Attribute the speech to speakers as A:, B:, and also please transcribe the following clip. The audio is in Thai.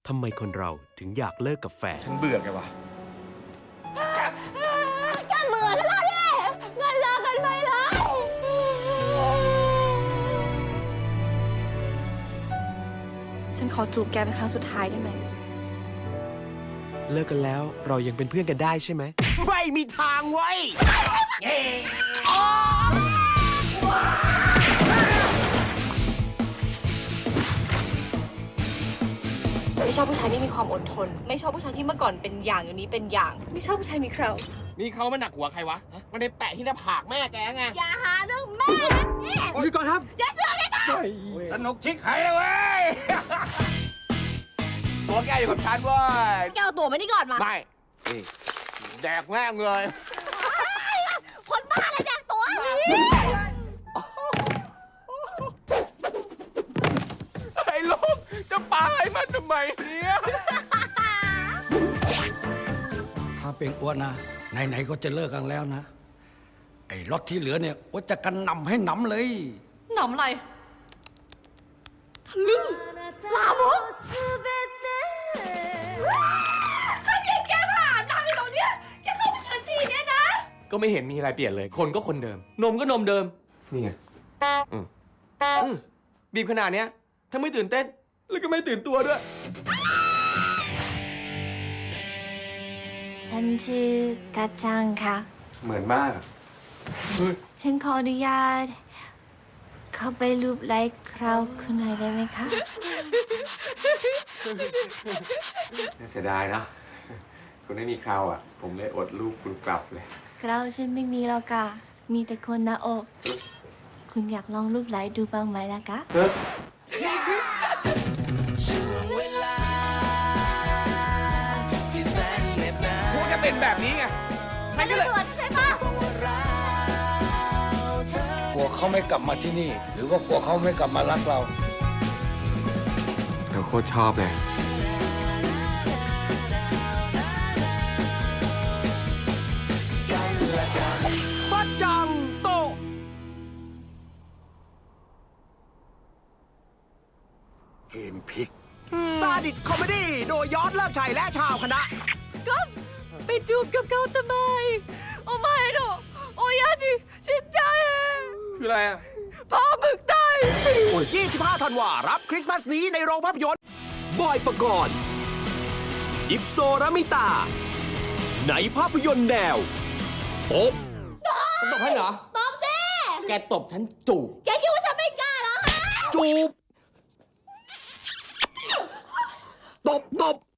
A: ทำไมคนเราถึงอยากเลิกกับแฟน
B: ฉันเบื่อแกว่ะ
C: แกเบื่อฉันแล้วดิเงินเลิกกันไปเลยฉันขอจูบแกเป็นครั้งสุดท้ายได้ไหม
A: เลิกกันแล้วเรายังเป็นเพื่อนกันได้ใช่ไหม ไม่มีทางไว้ย
C: ไม่ชอบผู้ชายที่มีความอดทน ไม่ชอบผู้ชายที่เมื่อก่อนเป็นอย่างอยู่นี้เป็นอย่าง ไม่ชอบผู้ชายมีเครา
B: นี่เขามันหนักหัวใครวะ มันได้แปะที่หน้าผากแม่แกไง
C: อย่าหาเรื่องแม่นี่
B: หยุดก่อนครับ
C: อย่าเสือกเลยนะ
B: สนุกชิคหายเลยเว้ย ตัวแกอยู่กับฉันเว้ย
C: แกเอาตัวมานี่ก่อนมา
B: ไม่นี่แดกแม่งเลย
C: คนบ้าอะไรแดกตัว
B: ไอ้ลูกจะปาให้มันทำไมเนี่ย
D: ถ้าเป็นอ้วนนะไหนๆก็จะเลิกกันแล้วนะ ไอ้รถที่เหลือเนี่ยอ้วนจะกันหนำให้หนำเลย
C: หนำอะไรทะลึ่งลามกฉันเห็นแกผ่านน้ำอยู่ตรงเนี้ยแกเข้าไปบัญชีเนี่ยนะ
B: ก็ไม่เห็นมีอะไรเปลี่ยนเลย คนก็คนเดิม นมก็นมเดิม นี่ไงบีบขนาดเนี้ย ถ้าไม่ตื่นเต้น แล้วก็ไม่ตื่นตัวด้วย
C: ฉันชื่อกาจังค่ะ
B: เหมือนมาก
C: ฉันขออนุญาต เข้าไปรูปไลค์คราวคุณหน่อยได้ไหมคะ
B: เสียดายนะ คุณไม่มีคราวอ่ะ ผมเลยอดรูปคุณกลับเลย
C: คราวฉันไม่มีแล้วค่ะ มีแต่คนหน้าอก คุณอยากลองรูปไลค์ดูบ้างไหมล่ะคะ
B: พวกจะเป็นแบบนี้ไง มันก็เลย
C: ใช่ปะ
D: กลัวเขาไม่กลับมาที่นี่ หรือว่ากลัวเขาไม่กลับมารักเรา
B: เราโคตรชอบเลย
A: ปัจจังโต
D: เกมพลิก
A: ซาดิสคอมเมดี้โดยยอดเลิกชัยและชาวคณะ
C: ก็ไปจูบกับเขาทำไม โอ้ไม่หรอกโอ้ยาจิชินใจ
B: คืออะไรอ่ะ
C: พาหมึกได้
A: 25 ธันวารับคริสต์มาสนี้ในโรงภาพยนตร์ บอยปกรณ์ยิปโซรามิตา ในภาพยนตร์แนวโป๊ะ
B: ตบให้เหรอ
C: ตอบสิ
B: แกตบฉันจูบ
C: แกคิดว่าฉันไม่กล้าเหรอฮะ
A: จูบ ตบ